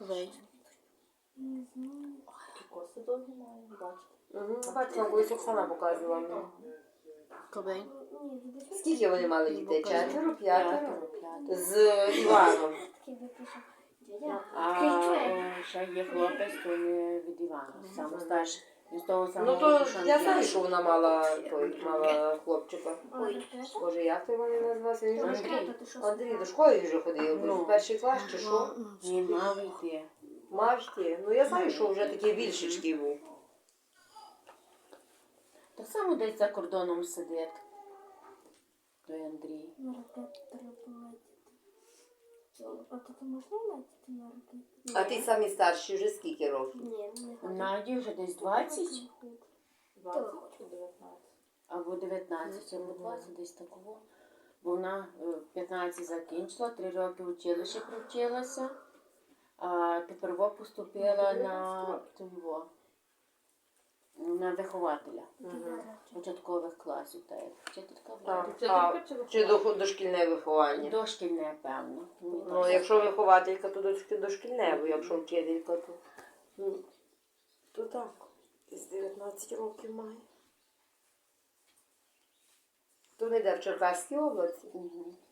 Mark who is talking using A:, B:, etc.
A: Ковей.
B: Не знаю.
C: Коси довгі має, бачите.
D: Угу. Бачила, колись Оксана показувала мені.
A: Ковей.
B: Ні, дивись.
D: Скільки вони мали дітей?
A: Покажи.
D: 4, 5?
C: П'ятеро.
D: З Іваном.
B: Такий випишу. Дядя.
C: А ще є хлопець, то не від Івана. Саме старший. Він з того самого
D: Ну то
C: Кушанки.
D: я знаю, що вона мала хлопчика.
B: Ой.
D: Боже, як той вони називався? Він же
C: Андрій.
D: Андрій до школи вже ходив,
C: Ну.
D: в перший клас чи що?
C: Він мав йти.
D: Мав йти. Ну я знаю, що вже такий більшечкий був.
C: Так само десь за кордоном сидить. Той Андрій.
B: На ракету треба летіти. А тут можна летіти на ракету?
D: А ти самі старші вже скільки років?
B: Ні, не хочу.
C: Наді вже десь 20
B: 20
C: чи 19. Або 19, або 20, десь такого. Бо вона 15 закінчила, 3 роки в училищі провчилася, а тепер поступила на вихователя початкових класів. Та як вчителька була.
D: Чи дошкільне виховання?
C: Дошкільне, певно.
D: Ну, якщо вихователька, то дошкільне, бо якщо вчителька, то так. З 19 років має. То не йде в Черкаській області.
C: Угу.